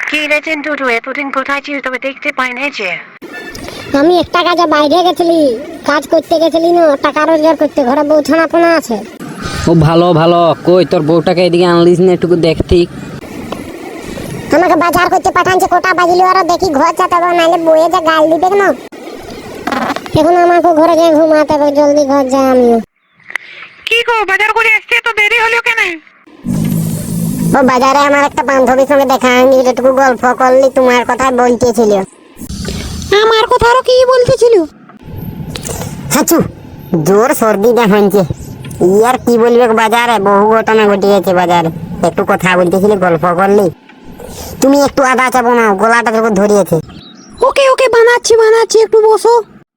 কি রে চিন্টু, তুই এতদিন কোথায় ছিলি? তবে দেখতে পাই নাই যে। আমি একটা কাজে বাইরে গেছিলি, কাজ করতে গেছিলি না, টাকা রোজগার করতে। ঘরে বউ ছানাপোনা আছে। ও ভালো ভালো, কই তোর বউটাকে এদিকে আনলিস না একটু দেখতি? আমাকে বাজার করতে পাঠানছে, কোটা বাজিলি ওরা দেখি ঘর যেতে হবে, নাহলে বউয়ে যে গাল দিবে না। এখন আমাকে ঘরে গিয়ে ঘুমাতে হবে, জলদি ঘর যাই আমিও। কি গো, বাজার করে আসতে তো দেরি হলো কেন? ও বাজারে আমার একটা বান্ধবীর সঙ্গে দেখা হয়নি, যেটুকু গল্প করলি তোমার কথা বলতেছিল। আমার কথা আরো কি বলতেছিল? হাচু জোর সর্দি দেখাচ্ছে। ইয়ার কি বলবে, বাজারে বহু ঘটনা ঘটে গেছে। বাজারে একটু কথা বলতেছিলি, গল্প করলি। তুমি একটু আদা চা বানাও, গলাটা যখন ধরিয়েছে। ওকে ওকে, বানাচ্ছি বানাচ্ছি, একটু বসো।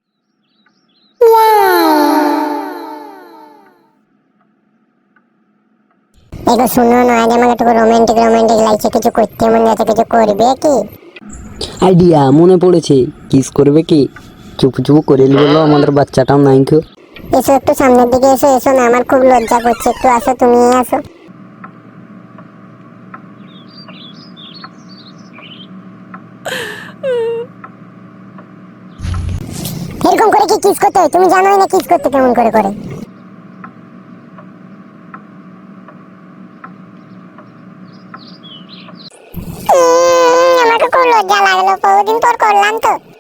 এগো শুনো না, আজ আমাকে একটু রোমান্টিক রোমান্টিক লাগছে, কিছু করতে মনে আছে, কিছু করবে কি? আইডিয়া মনে পড়েছে, কিস করবে কি? চুপ চুপ করে বলো, আমাদের বাচ্চাটাও নাই কেউ। এসো একটু সামনের দিকে এসো। এসো না, আমার খুব লজ্জা করছে, একটু আসো, তুমি আসো। এরকম করে কি কিস করতে হয়? তুমি জানোই না কিস করতে কেমন করে করে। আমাকে খুব লজ্জা লাগলো, বহুদিন পর করলাম তো।